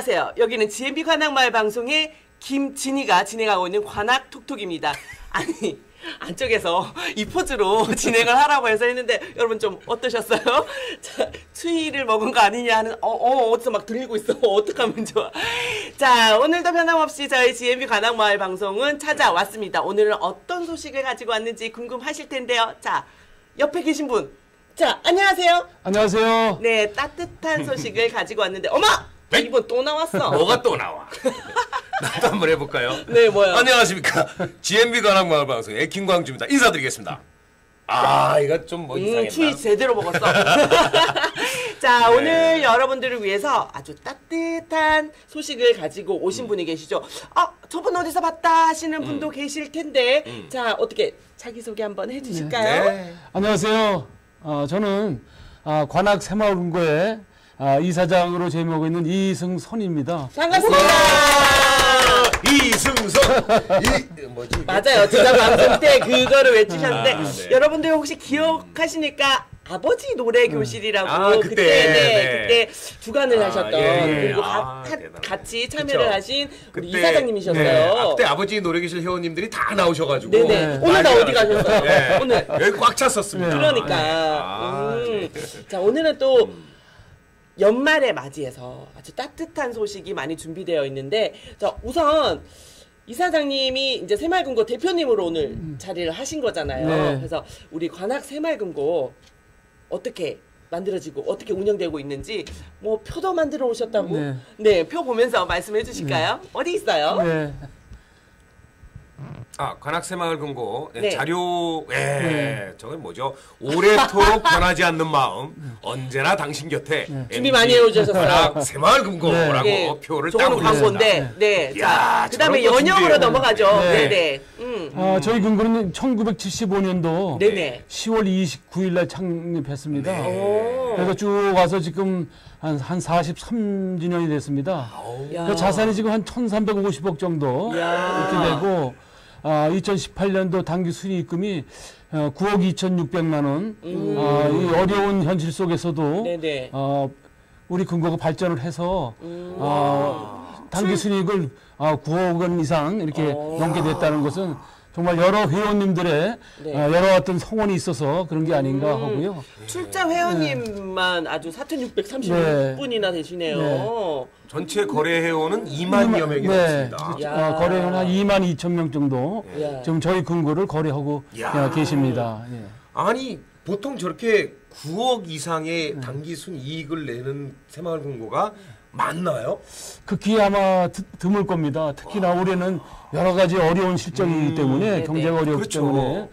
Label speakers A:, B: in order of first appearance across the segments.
A: 안녕하세요. 여기는 GMB 관악마을 방송의 김진희가 진행하고 있는 관악톡톡입니다. 아니 안쪽에서 이 포즈로 진행을 하라고 해서 했는데 여러분 좀 어떠셨어요? 자, 추위를 먹은 거 아니냐 하는 어디서 막 들리고 있어. 어떡하면 좋아. 자, 오늘도 변함없이 저희 GMB 관악마을 방송은 찾아왔습니다. 오늘은 어떤 소식을 가지고 왔는지 궁금하실 텐데요. 자, 옆에 계신 분. 자, 안녕하세요.
B: 안녕하세요.
A: 네, 따뜻한 소식을 가지고 왔는데 어머! 이번 또 나왔어.
C: 뭐가 또 나와? 나도 한번 해볼까요?
A: 네, 뭐요?
C: 안녕하십니까. GMB 관악마을 방송 애킹광주입니다. 인사드리겠습니다. 아, 이거 좀 뭐 이상했나?
A: 추위 제대로 먹었어. 자,
C: 네.
A: 오늘 여러분들을 위해서 아주 따뜻한 소식을 가지고 오신 분이 계시죠. 저분 어디서 봤다 하시는 분도 계실 텐데 자, 어떻게 자기소개 한번 해주실까요?
C: 네.
B: 안녕하세요. 저는 관악 새마을금고의 이사장으로 재임하고 있는 이승선입니다.
A: 반갑습니다.
C: 이승선. 뭐지?
A: 맞아요. 지난 방송 때 그거를 외치셨는데
C: 네.
A: 여러분들 혹시 기억하시니까 아버지 노래 교실이라고
C: 그때,
A: 그때 주관을 하셨던
C: 예.
A: 그리고
C: 대단하네.
A: 같이 참여를
C: 그쵸.
A: 하신 우리
C: 그때,
A: 이사장님이셨어요.
C: 네. 그때 아버지 노래교실 회원님들이 다 나오셔가지고.
A: 네네. 오늘 다 어디 가셨어요?
C: 네.
A: 오늘
C: 여기 꽉 찼었습니다.
A: 그러니까. 자, 오늘은 또 연말에 맞이해서 아주 따뜻한 소식이 많이 준비되어 있는데, 자, 우선 이사장님이 이제 새마을금고 대표님으로 오늘 자리를 하신 거잖아요.
B: 네.
A: 그래서 우리 관악 새마을금고 어떻게 만들어지고 어떻게 운영되고 있는지 뭐 표도 만들어 오셨다고?
B: 네.
A: 네, 표 보면서 말씀해 주실까요? 어디 있어요?
B: 네.
C: 관악새마을금고
A: 네.
C: 자료, 저건 뭐죠? 오래도록 변하지 않는 마음, 언제나 당신 곁에.
A: 준비 많이 해오셨어요.
C: 관악새마을금고라고
A: 네.
C: 표를 딱
A: 저거는
C: 올렸습니다.
A: 광고인데, 네.
C: 이야,
A: 자, 그 다음에
C: 저런 거
A: 연영으로
C: 준비해요.
A: 넘어가죠.
B: 네.
A: 네네.
B: 저희 금고는 1975년도
A: 네네.
B: 10월 29일 날 창립했습니다.
A: 오.
B: 그래서 쭉 와서 지금 한 43주년이 됐습니다.
A: 야.
B: 그 자산이 지금 한 1,350억 정도
A: 야.
B: 이렇게 되고 2018년도 당기 순이익금이 9억 2,600만 원. 이 어려운 현실 속에서도
A: 네네.
B: 우리 금고가 발전을 해서 당기 순이익을 9억 원 이상 이렇게 넘게 됐다는 것은 정말 여러 회원님들의
A: 네.
B: 여러 어떤 성원이 있어서 그런 게 아닌가 하고요.
A: 출자 회원님만 아주 4,636분이나 되시네요.
B: 네.
C: 전체 거래 회원은 2만여 명이 넘습니다.
A: 야.
B: 거래원 한 2만 2천 명 정도
A: 야.
B: 지금 저희 금고를 거래하고
C: 야.
B: 계십니다. 예.
C: 아니 보통 저렇게 9억 이상의 단기 순이익을 내는 새마을금고가 많나요?
B: 극히 아마 드물 겁니다. 특히나 올해는 여러 가지 어려운 실정이기 때문에
A: 네네.
B: 경제가 어렵기
C: 그렇죠.
B: 때문에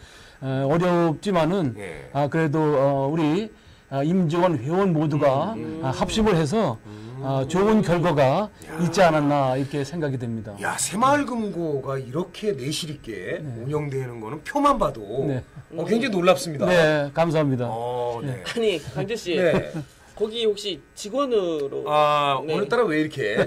B: 어렵지만은
C: 예.
B: 그래도 우리 임직원 회원 모두가 합심을 해서 좋은 결과가 있지 않았나 이렇게 생각이 됩니다.
C: 야, 새마을금고가 이렇게 내실 있게 운영되는 거는 표만 봐도
B: 네.
C: 굉장히 놀랍습니다.
B: 네, 감사합니다.
C: 네.
A: 아니, 강주 씨.
C: 네.
A: 거기 혹시 직원으로. 네.
C: 오늘따라 왜 이렇게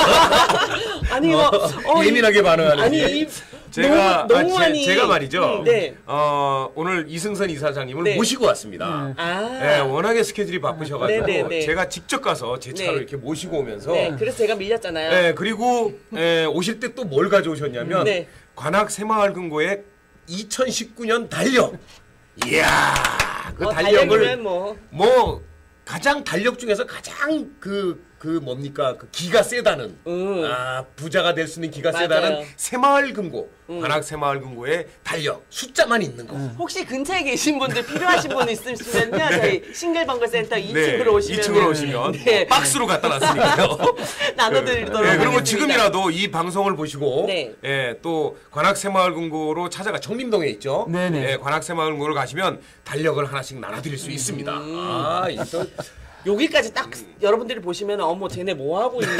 A: 아니,
C: 예민하게 반응하는지.
A: 아니, 이
C: 제가
A: 농후하니.
C: 제가 말이죠.
A: 네.
C: 오늘 이승선 이사장님을
A: 네.
C: 모시고 왔습니다. 네, 워낙에 스케줄이 바쁘셔가지고
A: 네, 네, 네.
C: 제가 직접 가서 제 차로
A: 네.
C: 이렇게 모시고 오면서
A: 네, 그래서 제가 밀렸잖아요.
C: 네, 그리고 오실 때 또 뭘 가져오셨냐면
A: 네.
C: 관악 새마을금고의 2019년 달력. 이야, 그 달력을
A: 달력이면
C: 뭐 가장 달력 중에서 가장 그 뭡니까 그 기가 세다는 부자가 될 수 있는 기가
A: 맞아요.
C: 세다는 새마을금고 관악 새마을금고의 달력 숫자만 있는 거.
A: 혹시 근처에 계신 분들 필요하신 분 있으시면요. 저희 싱글벙글센터 2층으로
C: 네,
A: 오시면
C: 2층으로 오시면
A: 네.
C: 박스로 갖다 놨으니까요.
A: 나눠드리도록
C: 네, 그리고
A: 하겠습니다.
C: 지금이라도 이 방송을 보시고
A: 네.
C: 또 관악 새마을금고로 찾아가 청림동에 있죠.
B: 네네.
C: 관악 새마을금고를 가시면 달력을 하나씩 나눠드릴 수 있습니다. 이또
A: 여기까지 딱 여러분들이 보시면 어머 쟤네 뭐 하고 있니?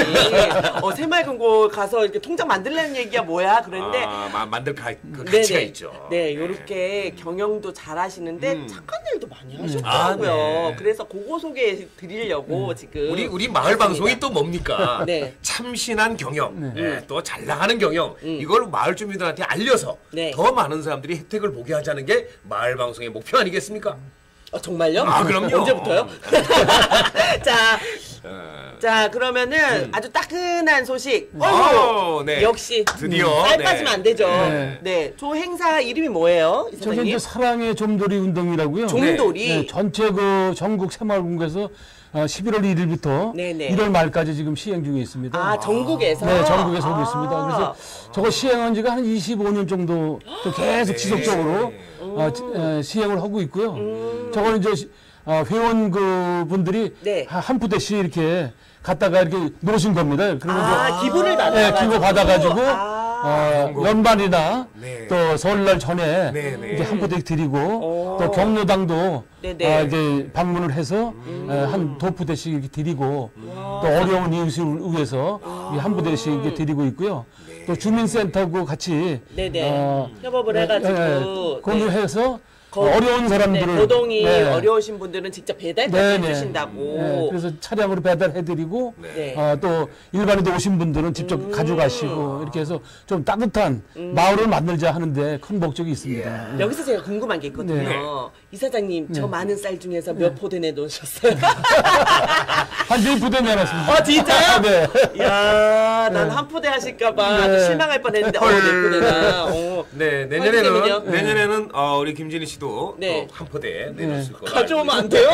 A: 새마을금고 가서 이렇게 통장 만들라는 얘기야 뭐야? 그런데
C: 만들 가치가 있죠.
A: 네, 이렇게 경영도 잘 하시는데 착한 일도 많이 하셨더라고요.
C: 아, 네.
A: 그래서 그거 소개해 드리려고 지금
C: 우리 마을 방송이 또 뭡니까?
A: 네.
C: 참신한 경영, 또 잘 나가는 경영, 이걸 마을 주민들한테 알려서
A: 네.
C: 더 많은 사람들이 혜택을 보게 하자는 게 마을 방송의 목표 아니겠습니까?
A: 정말요?
C: 아, 그럼요.
A: 언제부터요? 자, 자 그러면은 아주 따끈한 소식.
C: 네.
A: 역시
C: 드디어
A: 쌀
C: 네.
A: 빠지면 안 되죠.
B: 네.
A: 네, 저 행사 이름이 뭐예요,
B: 저게
A: 이사장님?
B: 이제 사랑의 좀돌이 운동이라고요.
A: 좀돌이.
B: 네, 전체 그 전국 새마을금고에서 11월 1일부터
A: 네네.
B: 1월 말까지 지금 시행 중에 있습니다.
A: 아, 전국에서?
B: 네, 전국에서 하고 있습니다.
A: 아.
B: 그래서 저거 시행한 지가 한 25년 정도 또 계속 지속적으로 시행을 하고 있고요. 저거는 이제 회원 그 분들이
A: 네.
B: 한 부대씩 이렇게 갖다가 이렇게 놓으신 겁니다. 그러면
A: 아, 기부를 받아가지고.
B: 네, 기부 받아가지고
A: 아.
B: 연말이나
C: 네.
B: 또 설날 전에
C: 네, 네.
B: 이렇게 한 부대 드리고
A: 오.
B: 또 경로당도
A: 네네.
B: 이제 방문을 해서 한 두 부대씩 이렇게 드리고 또 어려운 이웃을 위해서 한 부대씩 이렇게 드리고 있고요. 또 주민센터하고 같이
A: 네네. 협업을 해가지고.
B: 공유해서 어려운 사람들을
A: 네, 고동이
B: 네.
A: 어려우신 분들은 직접 배달까지
B: 네네.
A: 해주신다고.
B: 네, 그래서 차량으로 배달해드리고
A: 네.
B: 또 일반인도 오신 분들은 직접 가져가시고 이렇게 해서 좀 따뜻한 마을을 만들자 하는데 큰 목적이 있습니다.
A: 여기서 제가 궁금한 게 있거든요.
B: 네.
A: 이사장님, 저 많은 쌀 중에서 몇 포대 내놓으셨어요?
B: 한 4부대 내놨습니다.
A: 진짜요?
B: 네.
A: 이야, 난 한 포대 하실까봐 아주
B: 네.
A: 실망할 뻔했는데, 네 포대나.
C: 네,
A: 화이팅은요?
C: 내년에는 우리 김진희 씨도
A: 네.
C: 또 한 포대 내놓을 거라.
A: 가져오면 안 돼요?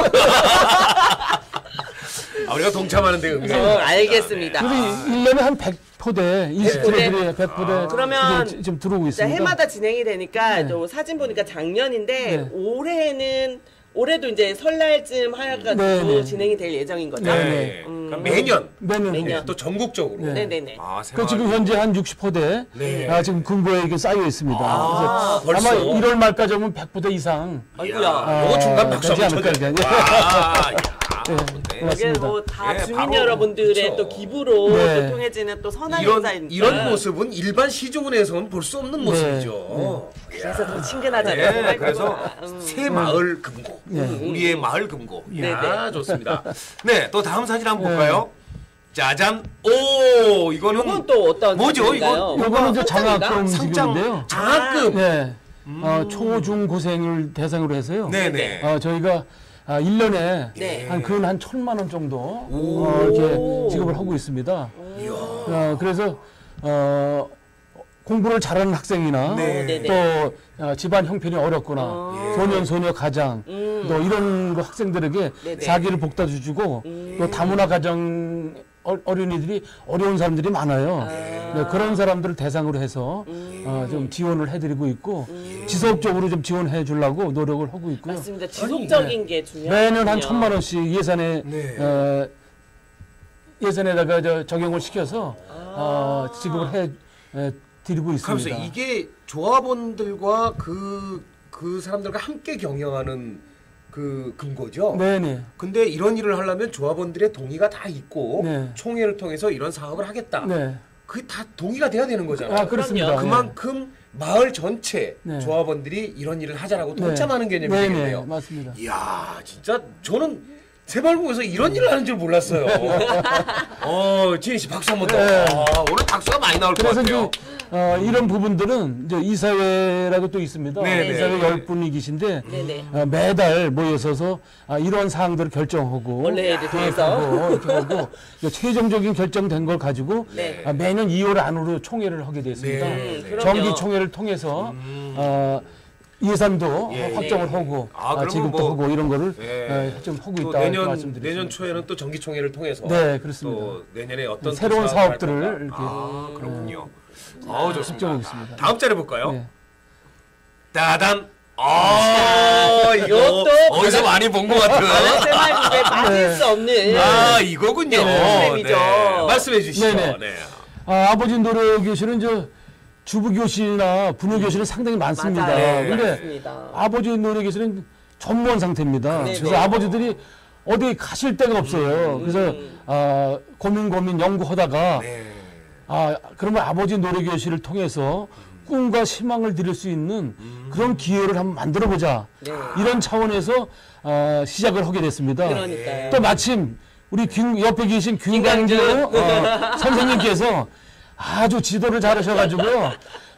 C: 우리가 동참하는 데 의미가
A: 알겠습니다.
B: 우리 1년에 한 100포대, 20포대, 100포대
A: 그러면
B: 지금 들어오고
A: 자,
B: 있습니다.
A: 해마다 진행이 되니까 또 사진 보니까 작년인데
B: 네.
A: 올해도 이제 설날쯤 하여가지고
B: 네, 네.
A: 진행이 될 예정인 거죠.
C: 네. 그러니까 매년
B: 매년.
C: 또 전국적으로.
B: 네.
A: 네네네.
B: 그 지금 현재 한 60포대
C: 네.
B: 지금 금고에 이게 쌓여 있습니다. 그래서
C: 벌써?
B: 아마 1월 말까지 오면 100포대 이상
A: 아이고야.
C: 요거 중간 박수
B: 되지
C: 한번
B: 않을까,
C: 쳐줘요.
B: 이제.
C: 와,
B: 네,
C: 네.
A: 이게
B: 고맙습니다.
A: 뭐 다
C: 네,
A: 주민
C: 바로,
A: 여러분들의
C: 그쵸.
A: 또 기부로
B: 네.
A: 또 통해지는 또 선한
C: 이런
A: 행사이니까.
C: 이런 모습은 일반 시중은에서는 볼 수 없는 모습이죠.
A: 그래서 더 친근하잖아요.
C: 네, 그래서 새 마을 금고, 우리의 마을 금고. 이야, 좋습니다. 네, 또 다음 사진 한번 볼까요? 짜잔, 오, 이거는
A: 이건 또 어떤
C: 뭐죠?
A: 사진인가요?
C: 이거
B: 요거는 이제
A: 상장인가?
B: 장학금 지급인데요.
C: 장학금.
B: 네. 초중 고생을 대상으로 해서요.
C: 네네.
B: 저희가 1년에
A: 네.
B: 한 1,000만 원 정도 이렇게 지급을 하고 있습니다. 그래서 공부를 잘하는 학생이나
C: 네.
A: 네네.
B: 또 집안 형편이 어렵거나 소년 소녀 가장 또 이런 그 학생들에게
A: 네네.
B: 사기를 복다주고 또 다문화 가정 어린이들이 어려운 사람들이 많아요. 네, 그런 사람들을 대상으로 해서 좀 지원을 해드리고 있고 지속적으로 좀 지원해 주려고 노력을 하고 있고요.
A: 맞습니다. 지속적인 게 중요해요.
B: 매년 한 1,000만 원씩 예산에
C: 네.
B: 예산에다가 적용을 시켜서 지급을 해 드리고 있습니다.
C: 그러면서 이게 조합원들과 그 사람들과 함께 경영하는 그 금고죠.
B: 네네.
C: 근데 이런 일을 하려면 조합원들의 동의가 다 있고
B: 네.
C: 총회를 통해서 이런 사업을 하겠다.
B: 네.
C: 그게 다 동의가 돼야 되는 거잖아요.
B: 그렇습니다.
C: 그만큼 마을 전체
B: 네.
C: 조합원들이 이런 일을 하자라고
B: 네.
C: 동참하는 개념이
B: 네네.
C: 되겠네요.
B: 맞습니다.
C: 이야, 진짜 저는 새마을금고에서 이런 일을 하는 줄 몰랐어요. 지혜 씨 박수 한번 더.
B: 네.
C: 오늘 박수가 많이 나올 것
B: 그래서
C: 같아요.
B: 이제 이런 부분들은 이제 이사회라고 또 있습니다.
C: 네네.
B: 이사회 10분이 계신데
A: 네네.
B: 매달 모여서서 이런 사항들을 결정하고
A: 원래에 대해서.
B: 계획하고 이렇게 하고 이제 최종적인 결정된 걸 가지고
A: 네.
B: 매년 2월 안으로 총회를 하게 됐습니다.
C: 네.
A: 그럼요.
B: 정기 총회를 통해서 예산도
C: 예.
B: 확정을 하고
C: 그러면
B: 지급도
C: 뭐,
B: 하고 이런 거를
C: 예.
B: 좀 하고
C: 또
B: 있다
C: 내년
B: 말씀드리겠습니다.
C: 초에는 또 정기총회를 통해서
B: 네, 그렇습니다.
C: 또 내년에 어떤
B: 새로운
C: 또 사업을 할
B: 사업들을
C: 건가.
B: 이렇게
C: 그렇군요. 좋습니다.
B: 확정하겠습니다.
C: 다음 자리 볼까요?
B: 네.
C: 따단. 이거
A: 이것도
C: 어디서 많이 본 것 같은.
A: 새마을금고에 빠질 수 없는
C: 이거군요.
A: 프로그램이죠.
C: 말씀해 주시죠.
B: 네네.
C: 네.
B: 아버지 노래 교실은 주부 교실이나 부녀 교실은 상당히 많습니다.
A: 맞아요.
B: 근데
A: 맞습니다.
B: 아버지 노래 교실은 전무한 상태입니다.
A: 네네.
B: 그래서 아버지들이 어디 가실 데가 없어요. 그래서 고민 연구하다가
C: 네.
B: 그러면 아버지 노래 교실을 통해서 꿈과 희망을 드릴 수 있는 그런 기회를 한번 만들어 보자.
A: 네.
B: 이런 차원에서 시작을 하게 됐습니다.
A: 그러니까요.
B: 또 마침 우리 옆에 계신 김강주 선생님께서 아주 지도를 잘하셔가지고요.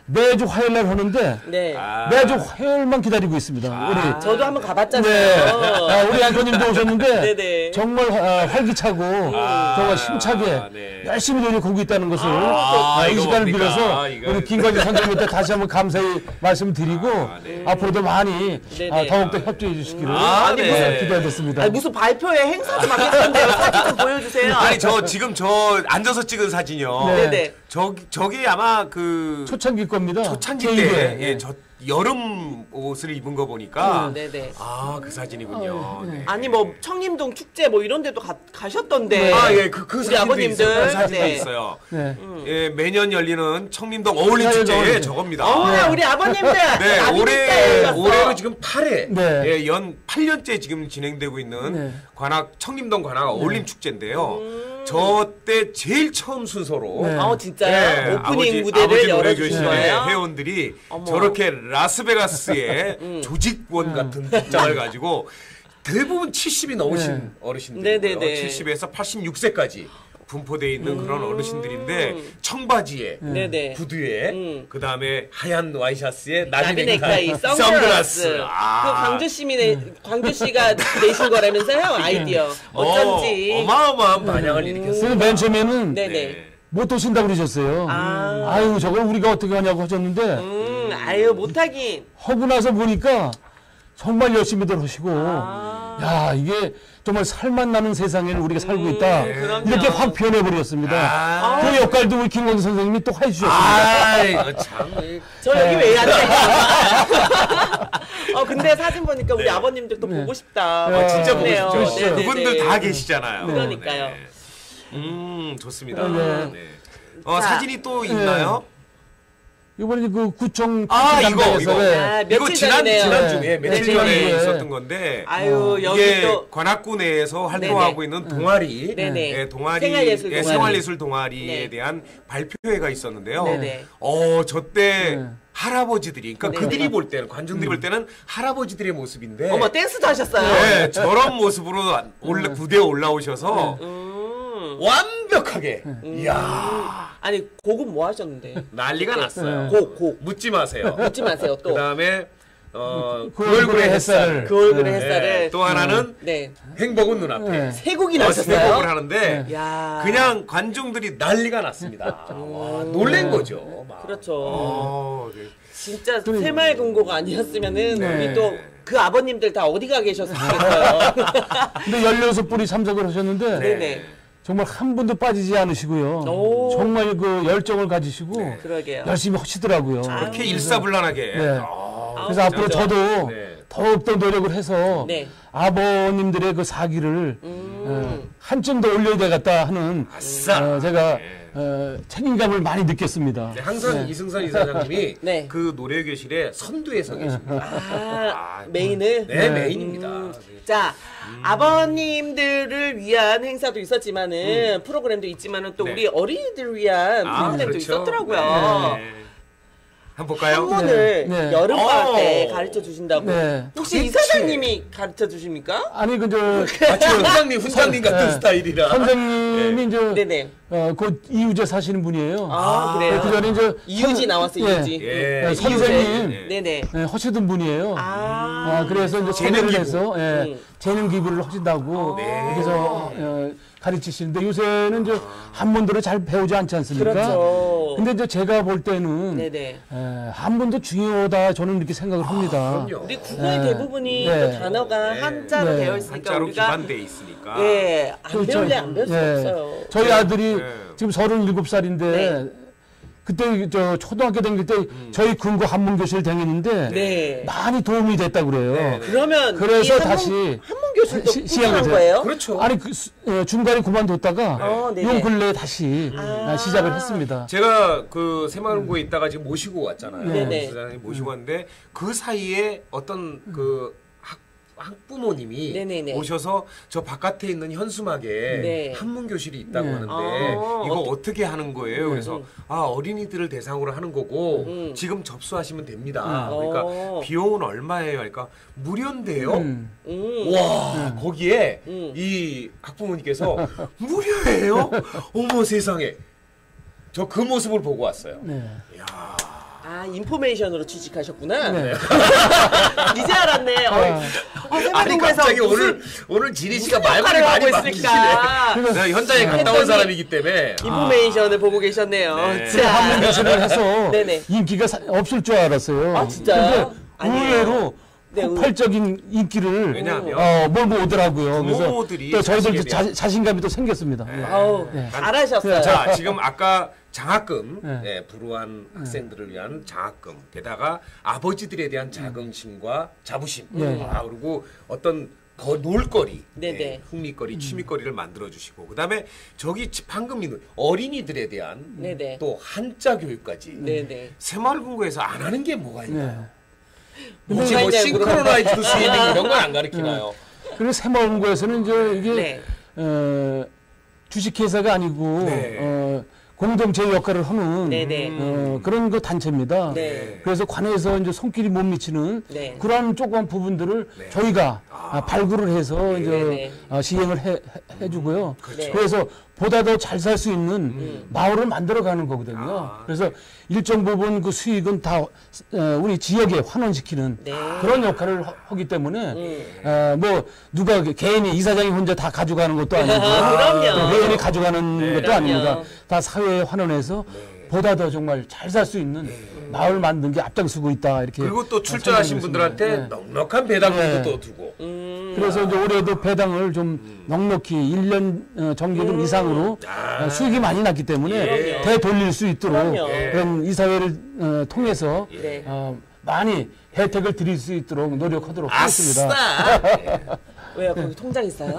B: 매주 화요일날 하는데
A: 네.
B: 매주 화요일만 기다리고 있습니다. 우리
A: 저도 한번 가봤잖아요.
B: 네. 우리 앵커님도 오셨는데
A: 네네.
B: 정말 활기차고 정말 힘차게
C: 네.
B: 열심히 노력하고 있다는 것을 이
C: 이거
B: 시간을
C: 뭡니까?
B: 빌어서
C: 이거.
B: 우리 김관진 선생님한테 다시 한번 감사히 말씀드리고
C: 네.
B: 앞으로도 많이
A: 네네.
B: 더욱더 협조해 주시기를
A: 아니,
C: 네.
B: 기대하겠습니다.
A: 아니, 무슨 발표회 행사 좀 하겠는데요. 사진 좀 보여주세요.
C: 아니 지금 앉아서 찍은 사진이요.
A: 네네.
C: 저기 아마 그
B: 초창기 겁니다.
C: 초창기
B: 제2회.
C: 때 저 여름 옷을 입은 거 보니까
A: 네네.
C: 그 사진이군요. 네.
A: 아니 뭐 청림동 축제 뭐 이런 데도 가셨던데.
C: 예, 그
A: 우리
C: 사진도
A: 아버님들.
C: 있어요. 그 사진도
A: 네.
C: 있어요.
B: 네.
C: 예, 매년 열리는 청림동 어울림
B: 네,
C: 축제에
B: 네.
C: 저겁니다.
A: 우리 아버님들.
C: 네,
A: 나비니까
C: 올해로 지금 8회,
B: 네.
C: 예, 연 8년째 지금 진행되고 있는
B: 네.
C: 청림동 관악 어울림 축제인데요. 저 때 제일 처음 순서로
B: 네.
A: 진짜요? 오프닝 무대를
C: 아버지
A: 열어주신
C: 노래교실의
A: 거예요?
C: 회원들이
A: 어머.
C: 저렇게 라스베가스의 조직원 같은 복장을 가지고 대부분 70이 넘으신
B: 네.
C: 어르신들이고요.
A: 네네네.
C: 70에서 86세까지 분포되어 있는 그런 어르신들인데 청바지에
A: 네네.
C: 구두에 그 다음에 하얀 와이셔츠에
A: 나비
C: 나비
A: 넥타이,
C: 넥타이,
A: 선글라스. 그 광주 씨가 내신 거라면서요? 아이디어. 어쩐지.
C: 어마어마한 반향을 일으켰어요.
B: 그래서 맨 처음에는
A: 네네.
B: 못 오신다고 그러셨어요. 아유 저걸 우리가 어떻게 하냐고 하셨는데
A: 아유 못하긴.
B: 하고 나서 보니까 정말 열심히들 하시고 야 이게 정말 살맛 나는 세상에는 우리가 살고 있다
A: 그럼요.
B: 이렇게 확 변해버렸습니다. 그 역할도 우리 김건희 선생님이 또 해주셨습니다.
C: 이거 참.
A: 저 여기 왜 앉아있어요? 근데 사진 보니까 우리 아버님들도 보고 싶다.
C: 진짜 보고
A: 그러네요.
C: 싶죠.
A: 네네네.
C: 그분들 다 계시잖아요.
A: 그러니까요.
C: 네. 좋습니다.
B: 네.
C: 네.
A: 자.
C: 사진이 또 있나요?
B: 이번에 그 구청
C: 이거
A: 아,
C: 이거
A: 며칠 전이네요.
C: 지난주에
B: 네.
C: 며칠
B: 네.
C: 전에
B: 네.
C: 있었던 건데
A: 아유 여기
C: 이게
A: 또
C: 관악구 내에서 활동하고
A: 네네.
C: 있는 동아리,
A: 네네.
C: 예, 동아리,
A: 생활예술 동아리.
C: 생활예술 동아리에
A: 네.
C: 대한 발표회가 있었는데요.
A: 네네.
C: 저때
B: 네.
C: 할아버지들이, 그러니까
A: 네네.
C: 그들이 볼 때는 관중들이 볼 때는 할아버지들의 모습인데,
A: 어머 댄스도 하셨어요.
C: 네, 저런 모습으로 무대에 올라오셔서 완벽하게, 이야
A: 아니 곡은 뭐 하셨는데?
C: 난리가 났어요.
A: 곡
C: 묻지 마세요.
A: 묻지 마세요 또.
C: 그 다음에
B: 그 얼굴의 햇살.
A: 그 얼굴의
C: 네,
A: 햇살을.
C: 또 하나는
A: 네.
C: 행복은 눈앞에.
B: 네.
A: 세 곡이
C: 세
A: 나셨어요.
C: 곡을 하는데
A: 야.
C: 그냥 관중들이 난리가 났습니다. 와, 놀란 거죠. 막.
A: 그렇죠.
C: 네.
A: 진짜 새마을금고가 아니었으면은
B: 네.
A: 우리 또 그 아버님들 다 어디가 계셨을까요?
B: 근데 16분이 참석을 하셨는데
A: 네네.
B: 정말 한 분도 빠지지 않으시고요.
A: 오.
B: 정말 그 열정을 가지시고
A: 그러게요.
B: 열심히 하시더라고요.
C: 그렇게 일사불란하게.
B: 네. 그래서
A: 아,
B: 앞으로
A: 진짜.
B: 저도
C: 네.
B: 더욱더 노력을 해서
A: 네.
B: 아버님들의 그 사기를 한층 더 올려야 되겠다 하는
C: 아싸.
B: 제가
C: 네.
B: 책임감을 많이 느꼈습니다.
C: 네, 항상 이승선 이사장님이
A: 네.
C: 그 노래교실에 선두에 서 계십니다.
A: 메인을.
C: 네, 메인입니다.
A: 자, 아버님들을 위한 행사도 있었지만은 프로그램도 있지만은 또
C: 네.
A: 우리 어린이들을 위한 프로그램도
C: 그렇죠.
A: 있었더라고요.
C: 네. 한번 볼까요?
A: 한문을
B: 네.
A: 여름방학 때
C: 오.
A: 가르쳐 주신다고.
B: 네.
A: 혹시 이사장님이 가르쳐 주십니까?
B: 아니 그저
C: 마치 훈장님 같은
B: 네.
C: 스타일이라.
B: 선생님이 이제
A: 네네.
B: 그 이우재 사시는 분이에요.
A: 아, 그래요?
B: 그 전에 이제
A: 이유지 나왔어요, 이유지.
C: 예.
B: 선생님
C: 예.
A: 네네.
B: 하시던 분이에요.
A: 그래서
B: 그래서 이제
C: 재능
B: 재능을
C: 기부.
B: 해서 재능 기부를 하신다고 그래서 가르치시는데 요새는 이제 한문들을 잘 배우지 않지 않습니까?
A: 그렇죠.
B: 근데 이제 제가 볼 때는
A: 네네.
B: 한문도 중요하다 저는 이렇게 생각을 합니다.
C: 그럼요.
A: 우리 국어의 대부분이
B: 네.
A: 또 단어가
C: 네.
A: 한자로
B: 네.
A: 되어 있으니까
C: 한자로
A: 우리가
C: 기반돼 있으니까.
A: 예, 안
B: 그렇죠.
A: 배울래 안 배울 수 없어요.
B: 저희 아들이
C: 네.
B: 지금 37살인데
A: 네.
B: 그때 저 초등학교 다닐 때 저희 근고 한문 교실 다녔는데
A: 네.
B: 많이 도움이 됐다 그래요.
C: 네.
A: 그러면
B: 그래서
A: 이
B: 다시
A: 한문 교실도
B: 시작을
A: 꾸준한
B: 해요.
A: 거예요?
C: 그렇죠.
B: 아니 중간에 그만뒀다가
A: 네네.
B: 요 근래에 다시 시작을 했습니다.
C: 제가 그 새마을고에 있다가 지금 모시고 왔잖아요.
A: 네네.
C: 부장님 모시고 왔는데 그 사이에 어떤 그 학부모님이
A: 네네네.
C: 오셔서 저 바깥에 있는 현수막에
A: 네.
C: 한문 교실이 있다고
B: 네.
C: 하는데 이거 어떻게 하는 거예요? 그래서 어린이들을 대상으로 하는 거고 지금 접수하시면 됩니다. 그러니까 비용은 얼마예요? 그러니까 무료인데요. 와 거기에 이 학부모님께서 무료예요? 어머 세상에 저 그 모습을 보고 왔어요.
B: 네.
C: 이야
A: 아, 인포메이션으로 취직하셨구나.
B: 네.
A: 이제 알았네.
C: 아니 갑자기 오늘 지리 씨가 말문이 많이 막히시네. 내가 현장에 갔다 온 사람이기 때문에
A: 인포메이션을 보고 계셨네요.
C: 네.
A: 자,
B: 한문대신을 해서
A: 네네.
B: 인기가 없을 줄 알았어요.
A: 아, 진짜요?
B: 근데 의외로
A: 네,
B: 폭발적인 인기를 몰고 오더라고요.
C: 부모들이
B: 그래서 또 저희들 자신감이 또 생겼습니다.
A: 아우, 잘하셨어요.
C: 자, 지금 아까 장학금,
B: 네.
C: 불우한 학생들을 위한 장학금, 게다가 아버지들에 대한 자긍심과 자부심, 그리고 어떤 놀거리,
A: 네네.
C: 흥미거리, 취미거리를 만들어주시고, 그 다음에 저기 방금 있는 어린이들에 대한
A: 네네.
C: 또 한자 교육까지
A: 네네.
C: 새마을금고에서 안 하는 게 뭐가 있나요?
B: 네.
C: 혹시 뭐 싱크로나이즈드 스위밍 이런 건 안 가르치나요?
B: 그리고 새마을금고에서는 이제 이게
A: 네.
B: 주식회사가 아니고
C: 네.
B: 공동체 역할을 하는
A: 네네.
B: 그런 그 단체입니다.
A: 네.
B: 그래서 관에서 이제 손길이 못 미치는
A: 네.
B: 그러한 조그만 부분들을 저희가 발굴을 해서 이제 시행을 해주고요.
A: 네.
B: 그래서 보다 더 잘 살 수 있는 마을을 만들어가는 거거든요. 그래서 일정 부분 그 수익은 다 우리 지역에 환원시키는
A: 네.
B: 그런 역할을 하기 때문에 뭐 누가 개인이 이사장이 혼자 다 가져가는 것도 아니고
A: 그럼요.
B: 회원이 가져가는 것도
A: 그럼요.
B: 아닙니다. 다 사회에 환원해서 보다 더 정말 잘 살 수 있는 마을 만든 게 앞장서고 있다 이렇게.
C: 그리고 또 출전하신 분들한테 넉넉한 배당금도 또 두고.
B: 그래서 이제 올해도 배당을 좀 넉넉히 1년 정기금 이상으로 수익이 많이 났기 때문에 되돌릴 수 있도록 그런 이사회를 통해서
A: 네.
B: 많이 혜택을 드릴 수 있도록 노력하도록 하겠습니다.
C: 아싸!
A: 왜요? 거기 통장 있어요?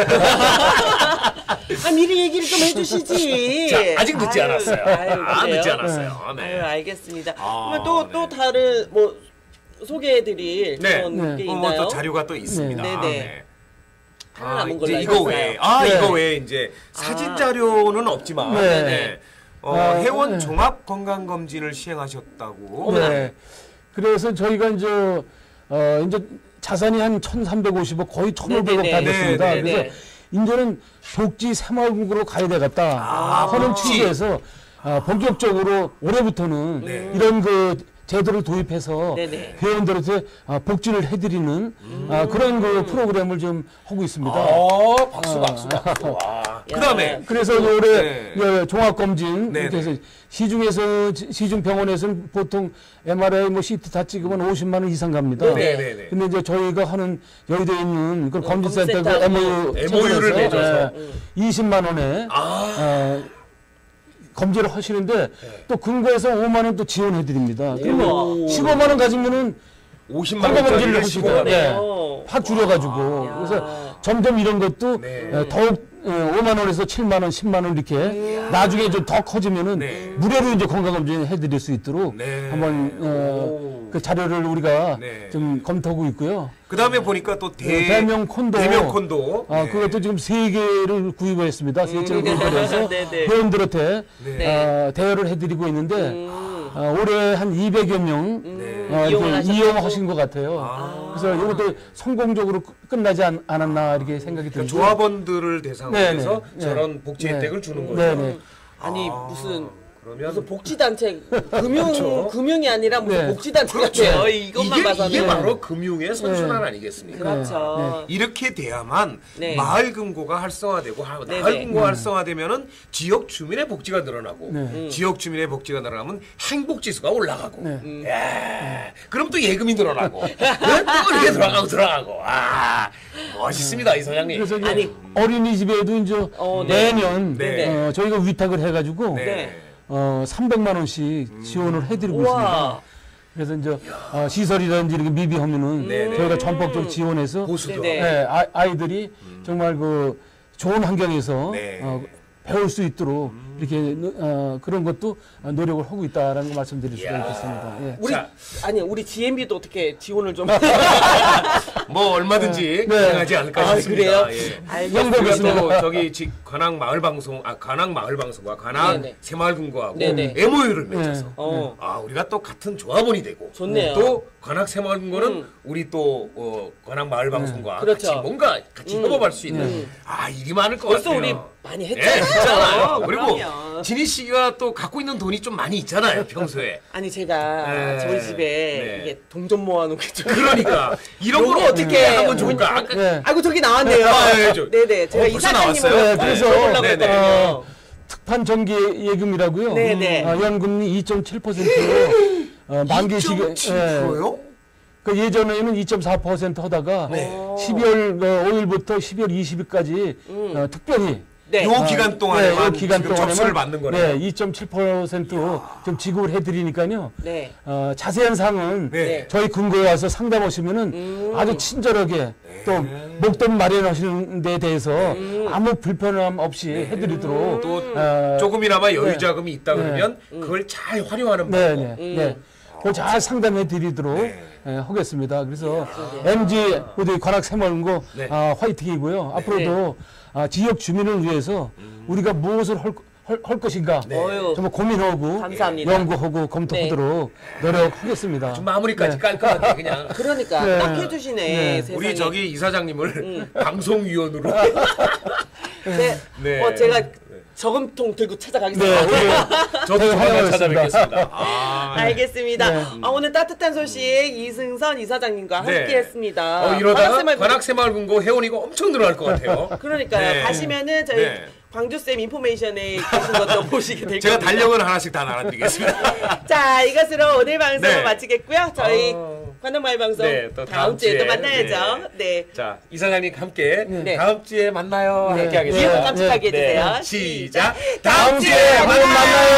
A: 아, 미리 얘기를 좀 해주시지.
C: 자, 아직 늦지 않았어요.
A: 그래요?
C: 늦지 않았어요. 네.
A: 아유, 알겠습니다. 그러면 또 다른 뭐 소개해드릴 그런 게 있나요?
C: 또 자료가 또 있습니다.
A: 네네. 하나 남은 걸로
C: 이제
A: 알고
C: 이거 외에,
A: 있어요.
C: 이거 외에 이제 사진 자료는 없지만, 회원 종합 건강 검진을 시행하셨다고.
B: 네. 그래서 저희가 이제 자산이 한 1,350억 거의 1,500억 다 됐습니다.
A: 네네.
B: 그래서 이제는 복지 새마을금고로 가야 되겠다 하는 취지에서 본격적으로 올해부터는 이런 그 제도를 도입해서 회원들한테 복지를 해드리는 그런 그 프로그램을 좀 하고 있습니다.
C: 박수. 와. 그다음에
B: 그래서 올해 종합검진 이렇게 해서 시중 병원에서는 보통 MRI 뭐 CT 다 찍으면 50만 원 이상 갑니다.
C: 네네네.
B: 근데 이제 저희가 하는 여의도에 있는 그 검진센터 그
A: 검진센터
C: MOU를 맺어서
B: 20만 원에 검진을 하시는데 또 근거에서 5만 원 또 지원해 드립니다. 그러면 15만 원 가지면은
C: 50만 원짜리를
B: 하시고 확 줄여가지고 그래서 점점 이런 것도 더욱 5만 원에서 7만 원, 10만 원 이렇게 나중에 좀 더 커지면은 무료로 이제 건강검진 해드릴 수 있도록 한번 그 자료를 우리가 좀 검토하고 있고요.
C: 그 다음에 보니까 또
B: 대명 콘도. 그것도 지금 3개를 구입했습니다. 3채를 구입해서 회원들한테 대여를 해드리고 있는데 올해 한 200여 명 이용하신 것 같아요. 그래서 이것도 성공적으로 끝나지 않았나 이렇게 생각이 듭니다.
C: 조합원들을 대상으로 해서 저런 복지 혜택을 주는 거죠.
A: 아니 무슨 복지단체 금융이 아니라 무슨 복지단체
C: 그렇죠.
A: 같아요. 이것만 봐서는
C: 이게 바로 금융의 선순환 아니겠습니까?
A: 그렇죠.
C: 이렇게 돼야만 마을금고가 활성화되고 마을금고가 활성화되면은 지역 주민의 복지가 늘어나고 지역 주민의 복지가 늘어나면 행복지수가 올라가고 그럼 또 예금이 늘어나고 또 이렇게 들어가고 멋있습니다 이 소장님.
B: 그래서 어린이집에도 이제 내년 저희가 위탁을 해가지고 300만 원씩 지원을 해드리고 있습니다. 그래서 이제 시설이라든지 이렇게 미비하면은 저희가 전폭적으로 지원해서 아이들이 정말 그 좋은 환경에서 배울 수 있도록 이렇게 그런 것도 노력을 하고 있다라는 거 말씀드릴 수가 있겠습니다.
A: 우리 GMB도 어떻게 지원을 좀
C: 뭐 얼마든지 가능하지 않을까 싶습니다.
A: 그래요?
C: 우리가 또 저기 관악 마을 방송과 관악 새마을금고하고 MOU를 맺어서 우리가 또 같은 조합원이 되고
A: 좋네요.
C: 또 관악 새마을 거는 우리 또 관악 마을 방송과
A: 그렇죠.
C: 같이 뭔가 같이 협업할 수 있는 일이 많을 것
A: 벌써
C: 같아요.
A: 우리 많이
C: 예,
A: 했잖아요.
C: 했잖아요. 그리고
A: 그럼요.
C: 진희 씨가 또 갖고 있는 돈이 좀 많이 있잖아요, 평소에.
A: 아니 제가
C: 네.
A: 저희 집에
C: 네.
A: 이게 돈 좀 모아놓은 게 좀.
C: 그러니까 이런 걸
A: 요거
C: 어떻게 하면
A: 뭐-
C: 좋을까? 아까
B: 네.
A: 아이고 저기 나왔네요. 네네. 제가
C: 벌써
A: 이사장님을
C: 나왔어요?
B: 그래서
A: 보려고
C: 네네.
A: 했거든요.
B: 특판 정기 예금이라고요.
A: 네네.
B: 연금리 2.7%로 만기 시기
C: 2.7%요?
B: 그 예전에는 2.4% 하다가
C: 네.
B: 12월 5일부터 12월 20일까지 특별히
A: 네.
C: 요 기간 동안에만
B: 요 기간
C: 지금
B: 동안에만
C: 접수를 받는 거네요.
B: 네, 2.7%좀 지급을 해드리니까요.
A: 네.
B: 자세한 사항은
C: 네.
B: 저희 근거에 와서 상담하시면은 아주 친절하게 또 목돈 마련하시는 데 대해서 아무 불편함 없이 해드리도록
C: 또 조금이나마 여유
B: 네.
C: 자금이 있다 그러면 그걸 잘 활용하는
B: 네,
C: 방법.
B: 네. 그걸 잘 상담해 드리도록 하겠습니다. 그래서 MG 우리 관악 새마을고
C: 네.
B: 화이팅이고요. 앞으로도 지역 주민을 위해서 우리가 무엇을 할 것인가
A: 어휴.
B: 정말 고민하고
A: 감사합니다.
B: 연구하고 검토하도록 노력하겠습니다.
C: 좀 마무리까지 깔끔하게 그냥.
A: 그러니까
B: 네.
A: 딱 해주시네.
B: 네.
A: 세상에.
C: 우리 저기 이사장님을 방송위원으로.
A: 네.
C: 네.
A: 제가 저금통 들고
B: 네,
A: 찾아가겠습니다.
C: 저도 조만간
B: 환영하겠습니다.
C: 찾아뵙겠습니다.
A: 알겠습니다.
B: 네.
A: 오늘 따뜻한 소식 이승선 이사장님과
C: 네.
A: 함께했습니다.
C: 이러다가
A: 관악새마을
C: 관악새마을금고 회원이가 엄청 늘어날 것 같아요.
A: 그러니까요.
C: 네.
A: 가시면은 저희
C: 네.
A: 광주쌤 인포메이션에 계신 것도 보시게 될
C: 제가
A: 겁니다.
C: 달력을 하나씩 다 나눠드리겠습니다.
A: 자, 이것으로 오늘 방송
C: 네.
A: 마치겠고요. 저희 관악마을 방송
C: 네, 또
A: 다음 주에 또
C: 주에.
A: 만나야죠. 네.
C: 자, 이사장님 함께
A: 네.
C: 다음 주에 만나요.
B: 네.
C: 함께
A: 기억
C: 하겠습니다.
A: 깜찍하게 해주세요.
C: 시작.
A: 다음 주에
B: 만나요.